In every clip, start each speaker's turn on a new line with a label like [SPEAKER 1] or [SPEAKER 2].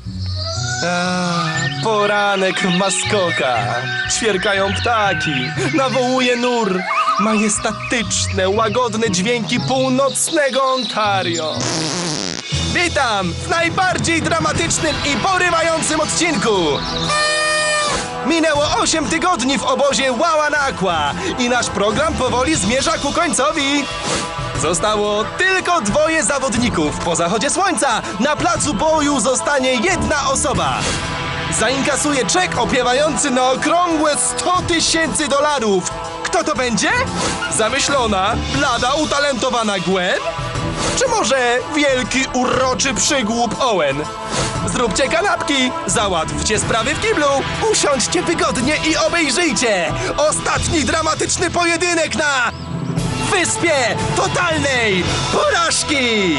[SPEAKER 1] Poranek w maskokach. Ćwierkają ptaki, nawołuje nur. Majestatyczne, łagodne dźwięki północnego Ontario. Witam w najbardziej dramatycznym i porywającym odcinku. Minęło 8 tygodni w obozie Wawanakwa i nasz program powoli zmierza ku końcowi. Zostało tylko 2 zawodników. Po zachodzie słońca na placu boju zostanie 1 osoba. Zainkasuje czek opiewający na okrągłe $100,000. Kto to będzie? Zamyślona, blada, utalentowana Gwen? Czy może wielki, uroczy przygłup Owen? Zróbcie kanapki, załatwcie sprawy w kiblu, usiądźcie wygodnie i obejrzyjcie ostatni dramatyczny pojedynek na Wyspie Totalnej Porażki!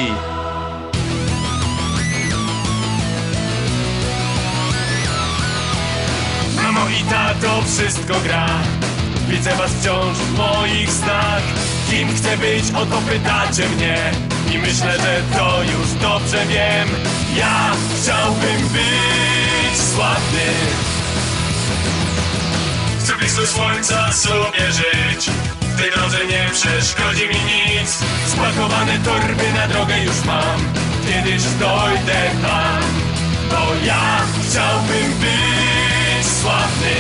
[SPEAKER 2] Mamo i tato, wszystko gra. Widzę was wciąż w moich snach. Kim chcę być, o to pytacie mnie. I myślę, że to już dobrze wiem. Ja chciałbym być sławny. Chcę blisko słońca sobie żyć. W tej drodze nie przeszkodzi mi nic. Spakowane torby na drogę już mam. Kiedyś dojdę tam. Bo ja chciałbym być sławny.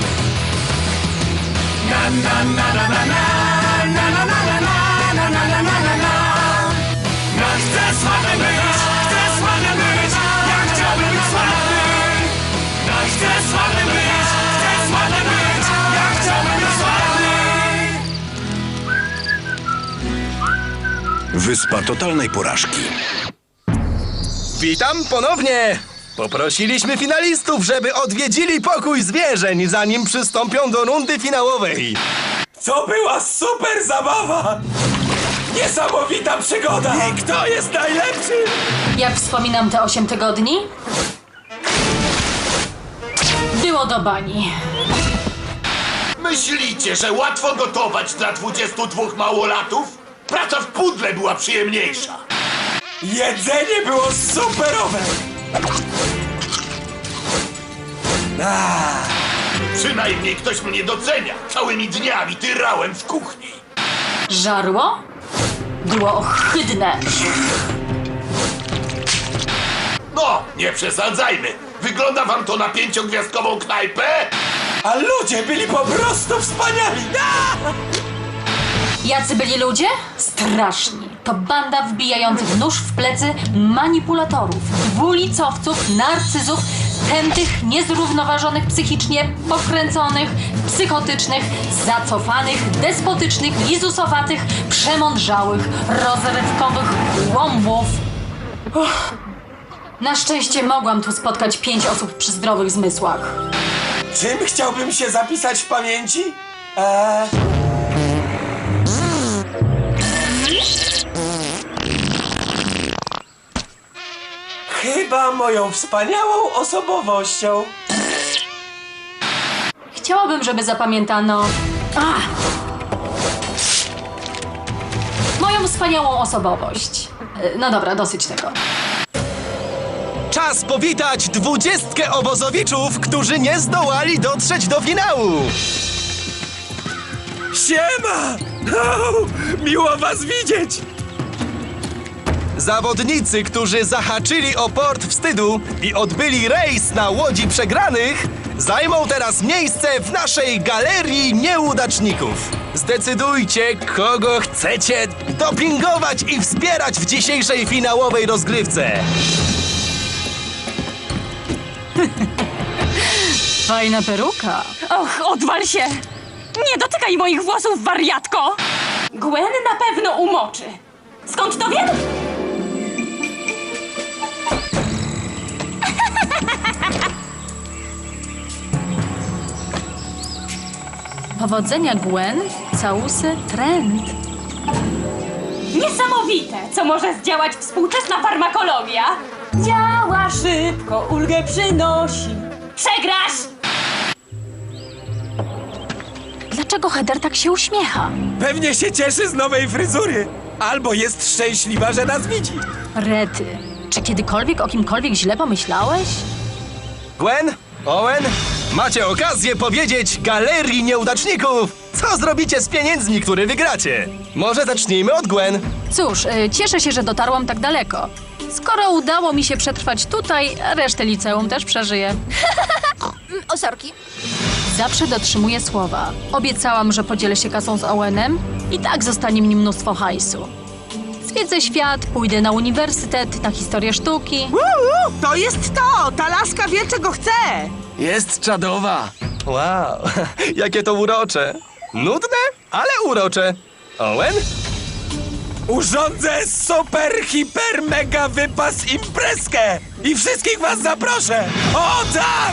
[SPEAKER 2] Na na na na na na na na na na na na na na na na. Ja chcę sławny być, chcę sławny być. Ja chciałbym być sławny. Ja chcę sławny być, chcę sławny być. Ja chciałbym być sławny.
[SPEAKER 3] Wyspa Totalnej Porażki.
[SPEAKER 1] Witam ponownie! Poprosiliśmy finalistów, żeby odwiedzili pokój zwierzeń, zanim przystąpią do rundy finałowej.
[SPEAKER 2] To była super zabawa! Niesamowita przygoda! I kto jest najlepszy?
[SPEAKER 4] Jak wspominam te 8 tygodni? Było do bani.
[SPEAKER 5] Myślicie, że łatwo gotować dla 22 małolatów? Praca w pudle była przyjemniejsza.
[SPEAKER 2] Jedzenie było superowe!
[SPEAKER 5] Przynajmniej ktoś mnie docenia. Całymi dniami tyrałem w kuchni.
[SPEAKER 4] Żarło? Było ohydne.
[SPEAKER 5] No, nie przesadzajmy. Wygląda wam to na 5-gwiazdkową knajpę?
[SPEAKER 2] A ludzie byli po prostu wspaniali!
[SPEAKER 4] Jacy byli ludzie? Straszni. To banda wbijających nóż w plecy manipulatorów, dwulicowców, narcyzów, tętych, niezrównoważonych psychicznie, pokręconych, psychotycznych, zacofanych, despotycznych, lizusowatych, przemądrzałych, rozrywkowych głąbów. Na szczęście mogłam tu spotkać 5 osób przy zdrowych zmysłach.
[SPEAKER 2] Czym chciałbym się zapisać w pamięci? Chyba moją wspaniałą osobowością.
[SPEAKER 4] Chciałabym, żeby zapamiętano... moją wspaniałą osobowość. No dobra, dosyć tego.
[SPEAKER 1] Czas powitać 20 obozowiczów, którzy nie zdołali dotrzeć do finału.
[SPEAKER 2] Siema! Miło was widzieć!
[SPEAKER 1] Zawodnicy, którzy zahaczyli o port wstydu i odbyli rejs na łodzi przegranych, zajmą teraz miejsce w naszej galerii nieudaczników. Zdecydujcie, kogo chcecie dopingować i wspierać w dzisiejszej finałowej rozgrywce.
[SPEAKER 4] Fajna peruka.
[SPEAKER 6] Och, odwal się! Nie dotykaj moich włosów, wariatko! Gwen na pewno umoczy. Skąd to wiem?
[SPEAKER 4] Powodzenia, Gwen. Całusy trend.
[SPEAKER 6] Niesamowite, co może zdziałać współczesna farmakologia. Działa szybko, ulgę przynosi. Przegrasz!
[SPEAKER 4] Dlaczego Heather tak się uśmiecha?
[SPEAKER 2] Pewnie się cieszy z nowej fryzury. Albo jest szczęśliwa, że nas widzi.
[SPEAKER 4] Rety. Czy kiedykolwiek o kimkolwiek źle pomyślałeś?
[SPEAKER 1] Gwen, Owen, macie okazję powiedzieć galerii nieudaczników, co zrobicie z pieniędzmi, które wygracie. Może zacznijmy od Gwen.
[SPEAKER 4] Cóż, cieszę się, że dotarłam tak daleko. Skoro udało mi się przetrwać tutaj, resztę liceum też przeżyję.
[SPEAKER 7] O, sorki.
[SPEAKER 4] Zawsze dotrzymuję słowa. Obiecałam, że podzielę się kasą z Owenem i tak zostanie mi mnóstwo hajsu. Zwiedzę świat, pójdę na uniwersytet, na historię sztuki.
[SPEAKER 8] To jest to! Ta laska wie, czego chce!
[SPEAKER 2] Jest czadowa.
[SPEAKER 1] Wow, jakie to urocze. Nudne, ale urocze. Owen?
[SPEAKER 2] Urządzę super, hiper, mega wypas imprezkę i wszystkich was zaproszę. O tak!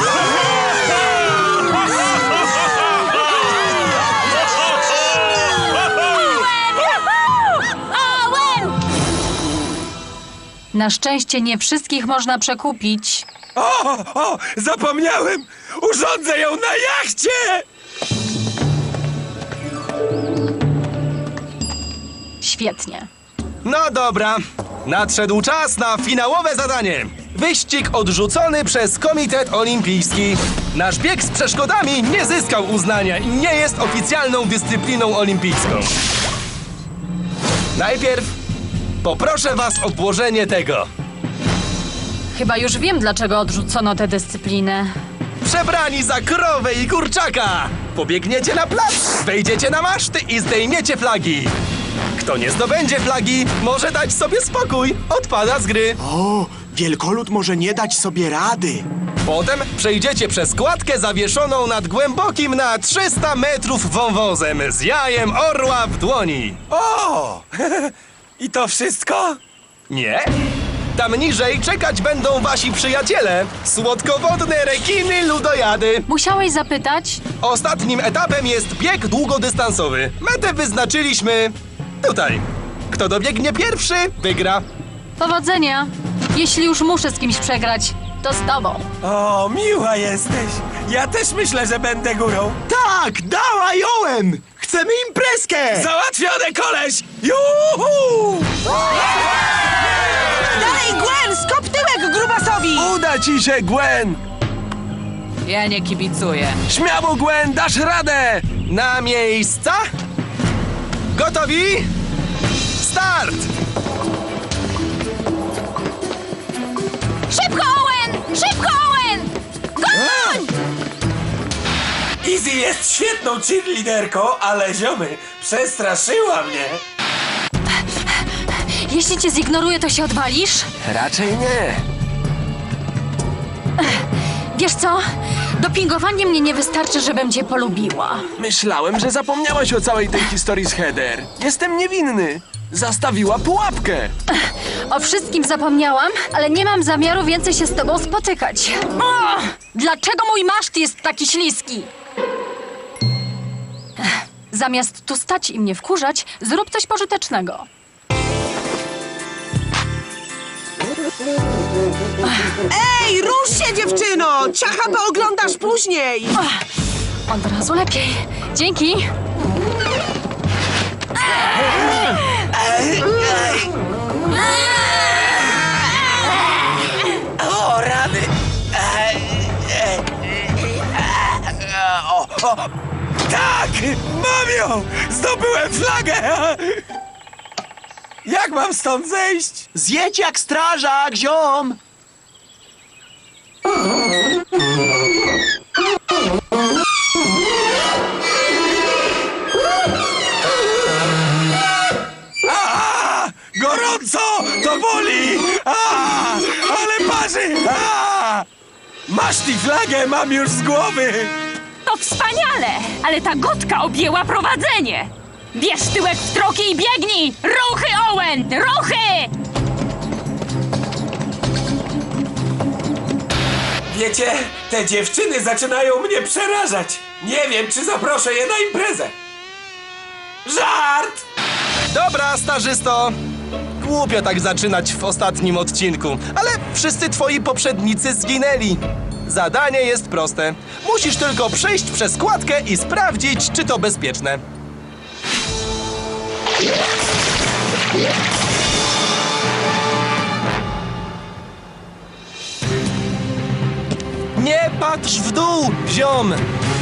[SPEAKER 4] Na szczęście nie wszystkich można przekupić.
[SPEAKER 2] O, zapomniałem! Urządzę ją na jachcie!
[SPEAKER 4] Świetnie.
[SPEAKER 1] No dobra, nadszedł czas na finałowe zadanie. Wyścig odrzucony przez Komitet Olimpijski. Nasz bieg z przeszkodami nie zyskał uznania i nie jest oficjalną dyscypliną olimpijską. Najpierw poproszę was o włożenie tego.
[SPEAKER 4] Chyba już wiem, dlaczego odrzucono tę dyscyplinę.
[SPEAKER 1] Przebrani za krowę i kurczaka. Pobiegniecie na plac, wejdziecie na maszty i zdejmiecie flagi. Kto nie zdobędzie flagi, może dać sobie spokój. Odpada z gry.
[SPEAKER 9] O, wielkolud może nie dać sobie rady.
[SPEAKER 1] Potem przejdziecie przez kładkę zawieszoną nad głębokim na 300 metrów wąwozem z jajem orła w dłoni.
[SPEAKER 2] O! I to wszystko?
[SPEAKER 1] Nie? Tam niżej czekać będą wasi przyjaciele. Słodkowodne rekiny ludojady.
[SPEAKER 4] Musiałeś zapytać?
[SPEAKER 1] Ostatnim etapem jest bieg długodystansowy. Metę wyznaczyliśmy tutaj. Kto dobiegnie pierwszy, wygra.
[SPEAKER 4] Powodzenia. Jeśli już muszę z kimś przegrać, to z tobą.
[SPEAKER 2] O, miła jesteś. Ja też myślę, że będę górą.
[SPEAKER 9] Tak, dawaj, Owen! Chcemy imprezkę!
[SPEAKER 2] Załatwione, koleś! Juhu!
[SPEAKER 8] Dalej, Gwen! Skop tyłek grubasowi!
[SPEAKER 2] Uda ci się, Gwen!
[SPEAKER 8] Ja nie kibicuję.
[SPEAKER 2] Śmiało, Gwen, dasz radę!
[SPEAKER 1] Na miejsca? Gotowi? Start!
[SPEAKER 7] Szybko, Owen! Szybko, Owen! Goń!
[SPEAKER 2] Izzy jest świetną cheerleaderką, ale ziomy, przestraszyła mnie.
[SPEAKER 4] Jeśli cię zignoruję, to się odwalisz?
[SPEAKER 2] Raczej nie.
[SPEAKER 4] Wiesz co? Dopingowanie mnie nie wystarczy, żebym cię polubiła.
[SPEAKER 2] Myślałem, że zapomniałaś o całej tej historii z Heather. Jestem niewinny. Zastawiła pułapkę.
[SPEAKER 4] O wszystkim zapomniałam, ale nie mam zamiaru więcej się z tobą spotykać. O! Dlaczego mój maszt jest taki śliski? Zamiast tu stać i mnie wkurzać, zrób coś pożytecznego.
[SPEAKER 8] Ej, rusz się, dziewczyno! Ciacha pooglądasz później!
[SPEAKER 4] Od razu lepiej. Dzięki.
[SPEAKER 2] O, rany. Tak! Mam ją! Zdobyłem flagę! Jak mam stąd zejść?
[SPEAKER 9] Zjedź jak strażak, ziom!
[SPEAKER 2] A! Gorąco! To boli! A! Ale parzy! A! Masz tę flagę, mam już z głowy!
[SPEAKER 6] To wspaniale! Ale ta gotka objęła prowadzenie! Bierz tyłek w troki i biegnij! Ruchy, Owen! Ruchy!
[SPEAKER 2] Wiecie, te dziewczyny zaczynają mnie przerażać. Nie wiem, czy zaproszę je na imprezę. Żart!
[SPEAKER 1] Dobra, starzysto. Głupio tak zaczynać w ostatnim odcinku, ale wszyscy twoi poprzednicy zginęli. Zadanie jest proste. Musisz tylko przejść przez kładkę i sprawdzić, czy to bezpieczne. Nie patrz w dół, ziom!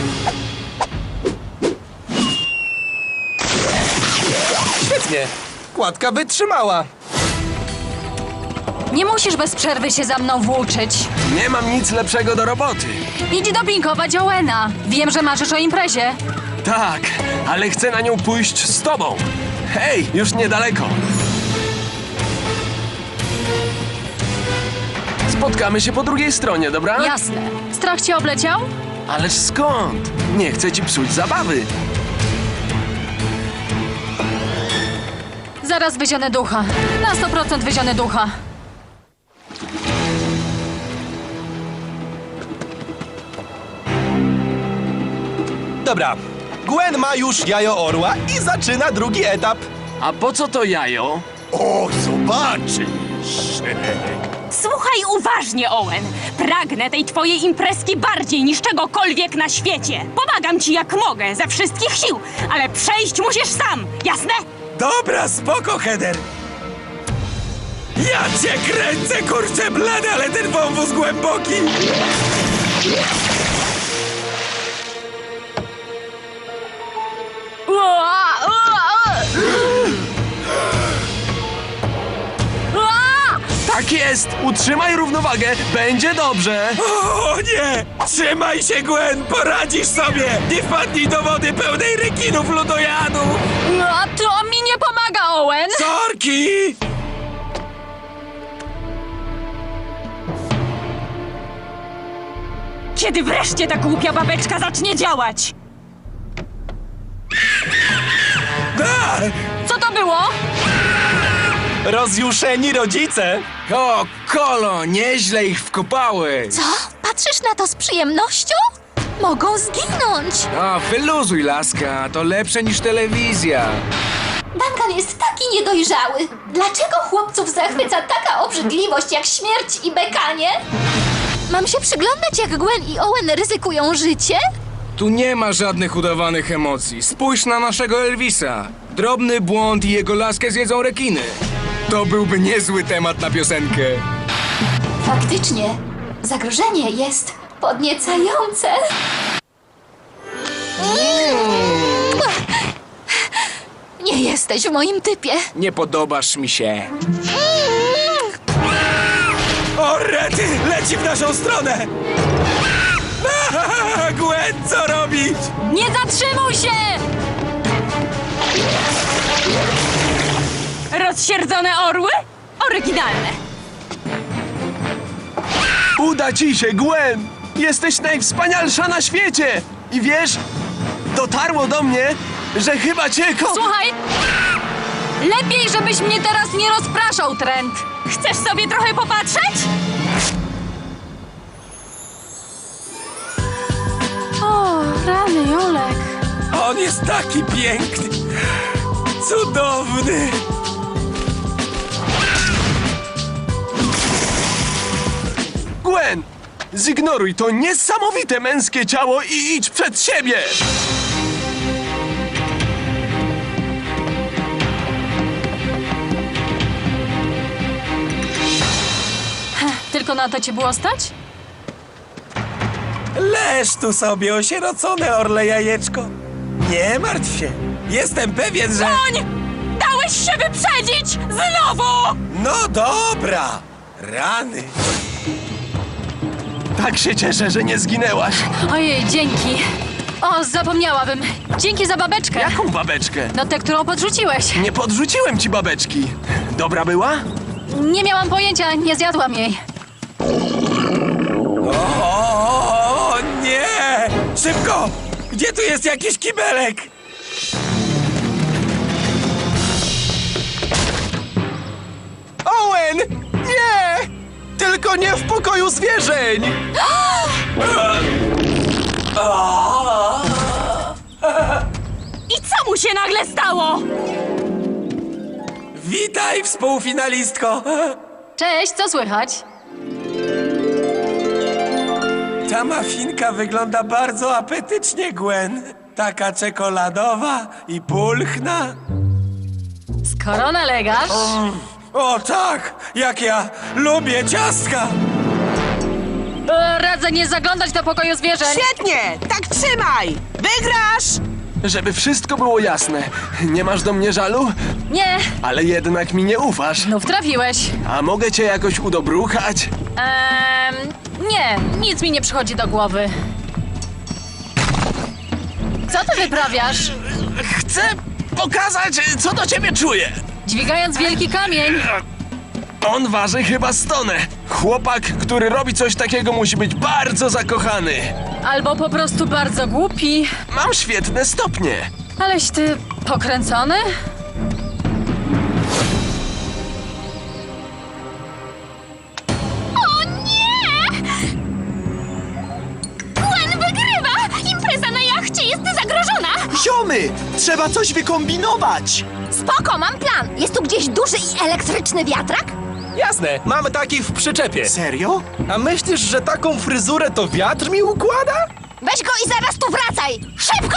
[SPEAKER 1] Świetnie. Kładka wytrzymała.
[SPEAKER 4] Nie musisz bez przerwy się za mną włóczyć.
[SPEAKER 9] Nie mam nic lepszego do roboty.
[SPEAKER 4] Idź dopingować Owena. Wiem, że marzysz o imprezie.
[SPEAKER 9] Tak, ale chcę na nią pójść z tobą. Hej, już niedaleko. Spotkamy się po drugiej stronie, dobra?
[SPEAKER 4] Jasne. Strach cię obleciał?
[SPEAKER 9] Ależ skąd? Nie chcę ci psuć zabawy.
[SPEAKER 4] Zaraz wyzionę ducha. Na 100% wyzionę ducha.
[SPEAKER 1] Dobra. Gwen ma już jajo orła i zaczyna drugi etap.
[SPEAKER 9] A po co to jajo?
[SPEAKER 5] O, zobaczysz!
[SPEAKER 6] Słuchaj uważnie, Owen. Pragnę tej twojej imprezki bardziej niż czegokolwiek na świecie. Pomagam ci jak mogę, ze wszystkich sił, ale przejść musisz sam, jasne?
[SPEAKER 2] Dobra, spoko, Heather. Ja cię kręcę, kurczę blady, ale ten wąwóz głęboki.
[SPEAKER 9] Tak jest! Utrzymaj równowagę, będzie dobrze!
[SPEAKER 2] O nie! Trzymaj się, Gwen, poradzisz sobie! Nie wpadnij do wody pełnej rekinów ludojadów!
[SPEAKER 4] A to mi nie pomaga, Owen!
[SPEAKER 2] Sorki!
[SPEAKER 6] Kiedy wreszcie ta głupia babeczka zacznie działać?
[SPEAKER 2] A!
[SPEAKER 4] Co to było?
[SPEAKER 1] Rozjuszeni rodzice.
[SPEAKER 9] O, Kolo, nieźle ich wkopały!
[SPEAKER 7] Co? Patrzysz na to z przyjemnością? Mogą zginąć.
[SPEAKER 9] A, wyluzuj, laska, to lepsze niż telewizja.
[SPEAKER 7] Duncan jest taki niedojrzały. Dlaczego chłopców zachwyca taka obrzydliwość jak śmierć i bekanie? Mam się przyglądać, jak Gwen i Owen ryzykują życie?
[SPEAKER 10] Tu nie ma żadnych udawanych emocji. Spójrz na naszego Elvisa. Drobny błąd i jego laskę zjedzą rekiny. To byłby niezły temat na piosenkę.
[SPEAKER 7] Faktycznie, zagrożenie jest podniecające. Nie jesteś w moim typie.
[SPEAKER 10] Nie podobasz mi się.
[SPEAKER 2] O, rety! Leci w naszą stronę! Gwen, co robić?
[SPEAKER 4] Nie zatrzymuj się!
[SPEAKER 6] Rozsierdzone orły? Oryginalne.
[SPEAKER 9] Uda ci się, Gwen! Jesteś najwspanialsza na świecie! I wiesz, dotarło do mnie, że chyba cię
[SPEAKER 4] Słuchaj! Lepiej, żebyś mnie teraz nie rozpraszał, Trent!
[SPEAKER 6] Chcesz sobie trochę popatrzeć?
[SPEAKER 4] O, rany, Jolek.
[SPEAKER 2] On jest taki piękny! Cudowny!
[SPEAKER 9] Gwen, zignoruj to niesamowite męskie ciało i idź przed siebie!
[SPEAKER 4] Tylko na to cię było stać?
[SPEAKER 2] Leż tu sobie, osierocone orle jajeczko. Nie martw się. Jestem pewien, że...
[SPEAKER 6] Koń! Dałeś się wyprzedzić! Znowu!
[SPEAKER 2] No dobra. Rany.
[SPEAKER 9] Tak się cieszę, że nie zginęłaś.
[SPEAKER 4] Ojej, dzięki. O, zapomniałabym. Dzięki za babeczkę.
[SPEAKER 9] Jaką babeczkę?
[SPEAKER 4] No tę, którą podrzuciłeś.
[SPEAKER 9] Nie podrzuciłem ci babeczki. Dobra była?
[SPEAKER 4] Nie miałam pojęcia, nie zjadłam jej.
[SPEAKER 2] O nie! Szybko! Gdzie tu jest jakiś kibelek?
[SPEAKER 1] Owen! Nie! Tylko nie w pokoju zwierzeń!
[SPEAKER 6] I co mu się nagle stało?
[SPEAKER 2] Witaj, współfinalistko.
[SPEAKER 4] Cześć, co słychać?
[SPEAKER 2] Ta mafinka wygląda bardzo apetycznie, Gwen. Taka czekoladowa i pulchna.
[SPEAKER 4] Skoro nalegasz...
[SPEAKER 2] O tak, jak ja lubię ciastka.
[SPEAKER 4] Radzę radzę nie zaglądać do pokoju zwierzeń.
[SPEAKER 8] Świetnie! Tak trzymaj! Wygrasz!
[SPEAKER 9] Żeby wszystko było jasne, nie masz do mnie żalu?
[SPEAKER 4] Nie,
[SPEAKER 9] Ale jednak mi nie ufasz.
[SPEAKER 4] znów trafiłeś.
[SPEAKER 9] A mogę cię jakoś udobruchać?
[SPEAKER 4] Nie, nic mi nie przychodzi do głowy. Co ty wyprawiasz?
[SPEAKER 9] Chcę pokazać, co do ciebie czuję.
[SPEAKER 4] Dźwigając wielki kamień.
[SPEAKER 9] On waży chyba 100 tonę. Chłopak, który robi coś takiego, musi być bardzo zakochany.
[SPEAKER 4] Albo po prostu bardzo głupi.
[SPEAKER 9] Mam świetne stopnie.
[SPEAKER 4] Aleś ty pokręcony?
[SPEAKER 7] O nie! Gwen wygrywa! Impreza na jachcie jest zagrożona!
[SPEAKER 1] Ziomy! Trzeba coś wykombinować!
[SPEAKER 7] Spoko, mam plan! Jest tu gdzieś duży i elektryczny wiatrak?
[SPEAKER 1] Jasne, mamy taki w przyczepie.
[SPEAKER 11] Serio?
[SPEAKER 1] A myślisz, że taką fryzurę to wiatr mi układa?
[SPEAKER 7] Weź go i zaraz tu wracaj! Szybko!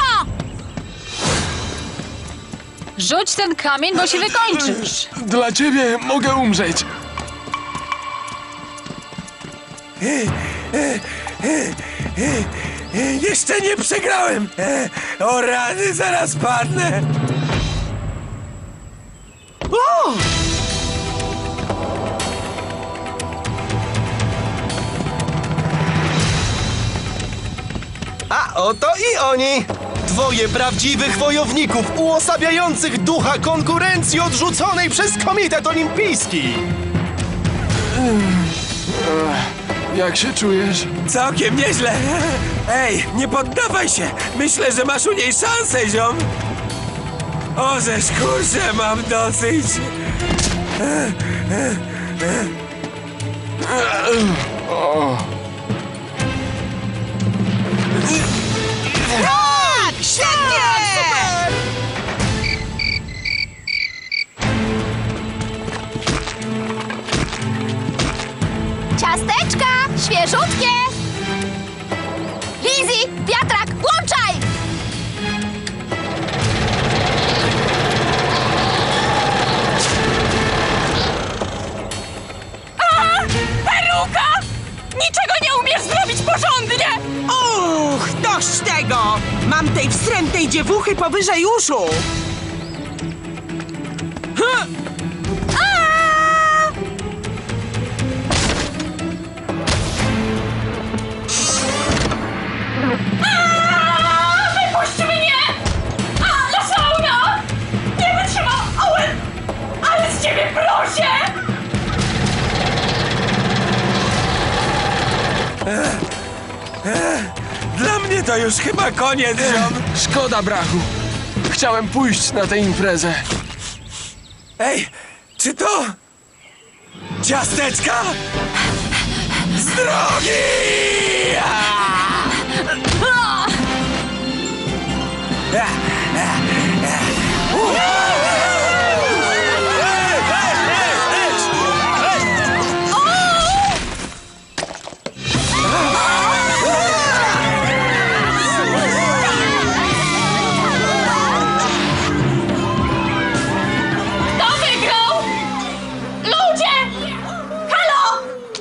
[SPEAKER 4] Rzuć ten kamień, bo się wykończysz.
[SPEAKER 9] Dla ciebie mogę umrzeć.
[SPEAKER 2] Jeszcze nie przegrałem! O rany, zaraz padnę!
[SPEAKER 1] A oto i oni! Dwoje prawdziwych wojowników uosabiających ducha konkurencji odrzuconej przez Komitet Olimpijski!
[SPEAKER 9] Jak się czujesz?
[SPEAKER 2] Całkiem nieźle! Ej, nie poddawaj się! Myślę, że masz u niej szansę, ziom! O, żeż kurczę, mam dosyć!
[SPEAKER 8] Tak! Świetnie!
[SPEAKER 7] Ciasteczka! Świeżutkie! Lizzy, wiatrak, włączaj!
[SPEAKER 6] Peruka! Niczego nie umiesz zrobić porządnie!
[SPEAKER 8] Uch, dość tego! Mam tej wstrętnej dziewuchy powyżej uszu!
[SPEAKER 6] Wypuść mnie! A, Lasauna! Nie wytrzymam, Owen! Ale z ciebie proszę!
[SPEAKER 2] Dla mnie to już chyba koniec, ziom!
[SPEAKER 9] Szkoda brachu. Chciałem pójść na tę imprezę.
[SPEAKER 2] Ej, czy to... Ciasteczka? Z drogi!
[SPEAKER 6] Kto wygrał? Ludzie! Halo!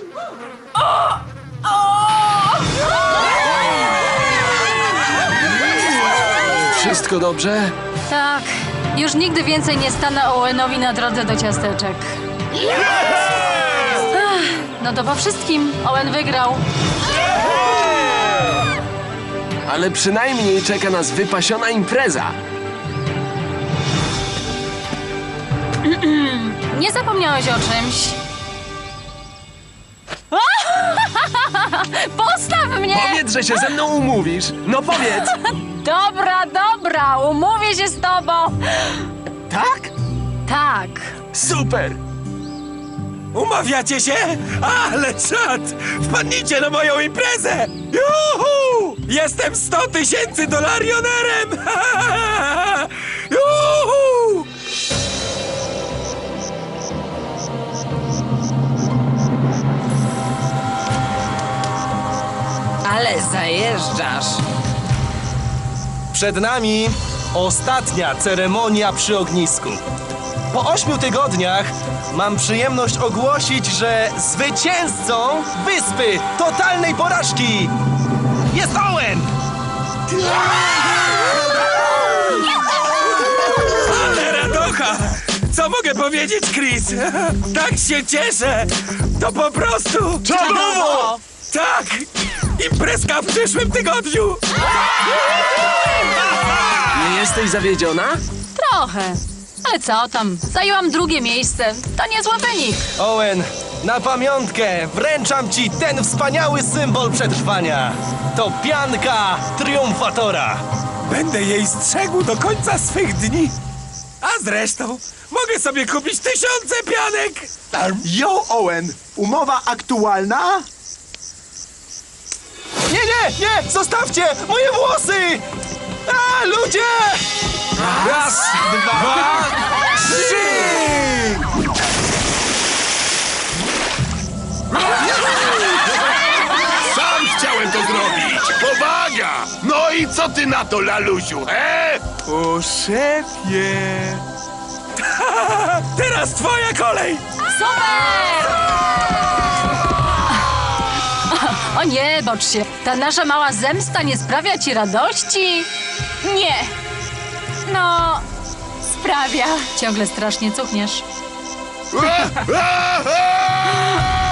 [SPEAKER 9] Wszystko dobrze?
[SPEAKER 4] Tak, już nigdy więcej nie stanę Owenowi na drodze do ciasteczek. Ach, no to po wszystkim Owen wygrał.
[SPEAKER 9] Ale przynajmniej czeka nas wypasiona impreza.
[SPEAKER 4] Nie zapomniałeś o czymś. Postaw mnie!
[SPEAKER 9] Powiedz, że się ze mną umówisz. No powiedz.
[SPEAKER 4] Dobra, umówię się z tobą.
[SPEAKER 9] Tak?
[SPEAKER 4] Tak.
[SPEAKER 9] Super.
[SPEAKER 2] Umawiacie się? Ale czad! Wpadnijcie na moją imprezę! Juhu! Jestem $100,000 Juhu!
[SPEAKER 8] Ale zajeżdżasz!
[SPEAKER 1] Przed nami ostatnia ceremonia przy ognisku. Po 8 tygodniach mam przyjemność ogłosić, że zwycięzcą Wyspy Totalnej Porażki jest Owen!
[SPEAKER 2] Ale radocha! Co mogę powiedzieć, Chris? Tak się cieszę! To po prostu...
[SPEAKER 1] Czadowo!
[SPEAKER 2] Tak! Imprezka w przyszłym tygodniu!
[SPEAKER 9] Nie jesteś zawiedziona?
[SPEAKER 4] Trochę. Ale co tam? Zajęłam drugie miejsce. To niezły wynik.
[SPEAKER 1] Owen, na pamiątkę wręczam ci ten wspaniały symbol przetrwania. To pianka triumfatora.
[SPEAKER 2] Będę jej strzegł do końca swych dni. A zresztą, mogę sobie kupić 1000 pianek!
[SPEAKER 11] Yo, Owen! Umowa aktualna?
[SPEAKER 1] Nie, nie, nie! Zostawcie moje włosy! A, ludzie!
[SPEAKER 2] Raz, dwa, trzy!
[SPEAKER 5] Sam chciałem to zrobić! Powaga! No i co ty na to, lalusiu, he?
[SPEAKER 2] O szefie! Teraz twoja kolej!
[SPEAKER 4] Super! O nie, bocz się. Ta nasza mała zemsta nie sprawia ci radości?
[SPEAKER 6] Nie. No, sprawia.
[SPEAKER 4] Ciągle strasznie cuchniesz.
[SPEAKER 5] A, a, a!